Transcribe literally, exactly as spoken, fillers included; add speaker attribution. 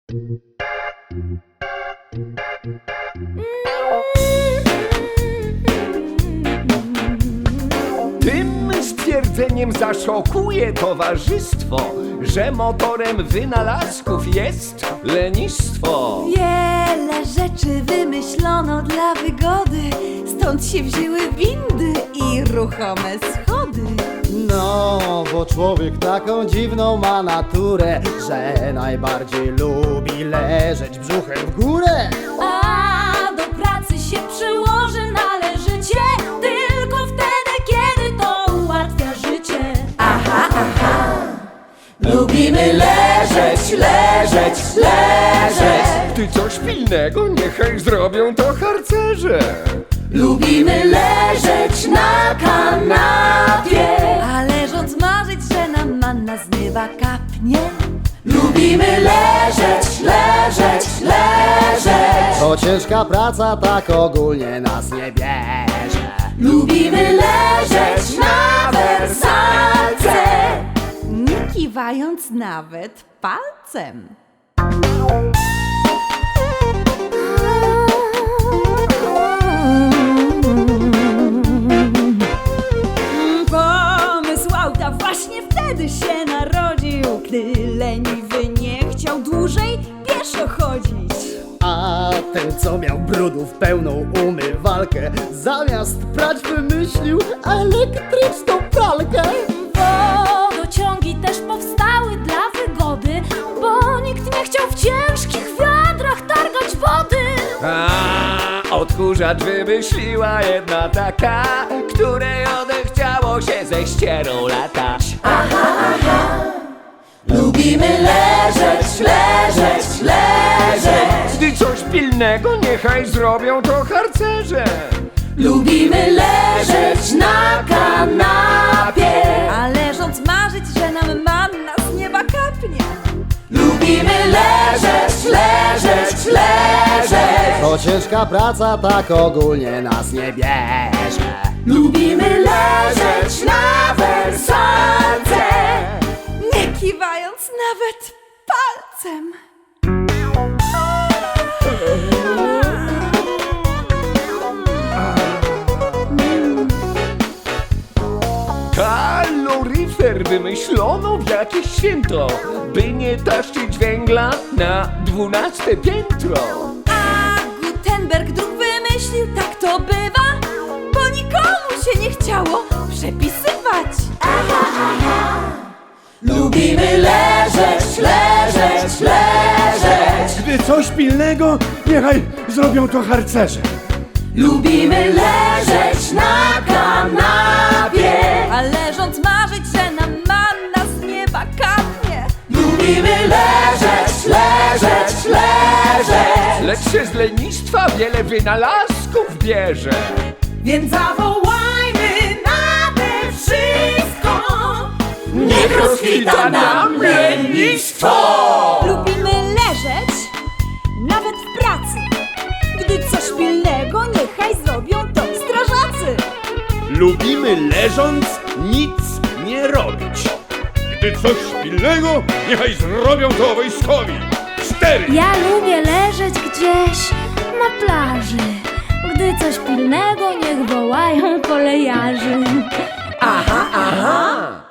Speaker 1: Tym stwierdzeniem zaszokuje towarzystwo, że motorem wynalazków jest lenistwo.
Speaker 2: Wiele rzeczy wymyślono dla wygody, stąd się wzięły windy i ruchome schody.
Speaker 3: No, bo człowiek taką dziwną ma naturę, że najbardziej lubi leżeć brzuchem w górę.
Speaker 2: A do pracy się przyłoży należycie, tylko wtedy, kiedy to ułatwia życie. Aha, aha.
Speaker 1: Lubimy leżeć, leżeć, leżeć. Gdy coś pilnego, niechaj zrobią to harcerze.
Speaker 2: Lubimy leżeć na kanapie, a leżąc marzyć, że nam manna z nieba kapnie. Lubimy leżeć, leżeć, leżeć.
Speaker 3: To ciężka praca tak ogólnie nas nie bierze.
Speaker 2: Lubimy leżeć na wersalce, nie kiwając nawet palcem. Pomysł auta właśnie wtedy się narodził, gdy leniwy nie chciał dłużej pieszo chodzić.
Speaker 3: A ten, co miał brudów pełną umywalkę, zamiast prać wymyślił elektryczną pralkę.
Speaker 2: Wodociągi też powstały dla wygody, bo nikt nie chciał w ciężkich wiadrach targać wody.
Speaker 1: A odkurzacz wymyśliła jedna taka, której odechciało się ze ścierą latać.
Speaker 2: Aha, aha. Lubimy leżeć, leżeć, leżeć.
Speaker 1: Gdy coś pilnego, niechaj zrobią to harcerze.
Speaker 2: Lubimy leżeć na kanapie, a leżąc marzyć, że nam manna z nieba kapnie. Lubimy leżeć, leżeć, leżeć.
Speaker 3: To ciężka praca tak ogólnie nas nie bierze.
Speaker 2: Lubimy leżeć na wersalce, nie kiwając nawet palcem.
Speaker 1: Kaloryfer wymyślono w jakieś święto, by nie taszczyć węgla na dwunaste piętro.
Speaker 2: A Gutenberg druk wymyślił, tak to bywa, bo nikomu się nie chciało przepisywać. Aha, aha. Lubimy leżeć, leżeć, leżeć.
Speaker 4: Gdy coś pilnego, niechaj zrobią to harcerze.
Speaker 2: Lubimy leżeć na kanapie, a leżąc marzyć, że nam manna z nieba kapnie. Lubimy leżeć, leżeć, leżeć.
Speaker 1: Lecz się z lenistwa wiele wynalazków bierze.
Speaker 2: Więc zawołajmy nade wszystko,
Speaker 1: Niech rozkwita nam lenistwo!
Speaker 2: Lubimy leżeć, nawet w pracy. Gdy coś pilnego, niechaj zrobią to strażacy.
Speaker 4: Lubimy leżąc nic nie robić. Gdy coś pilnego, niechaj zrobią to wojskowi. Cztery!
Speaker 5: Ja lubię leżeć gdzieś na plaży. Gdy coś pilnego, niech wołają kolejarzy.
Speaker 2: Aha, aha.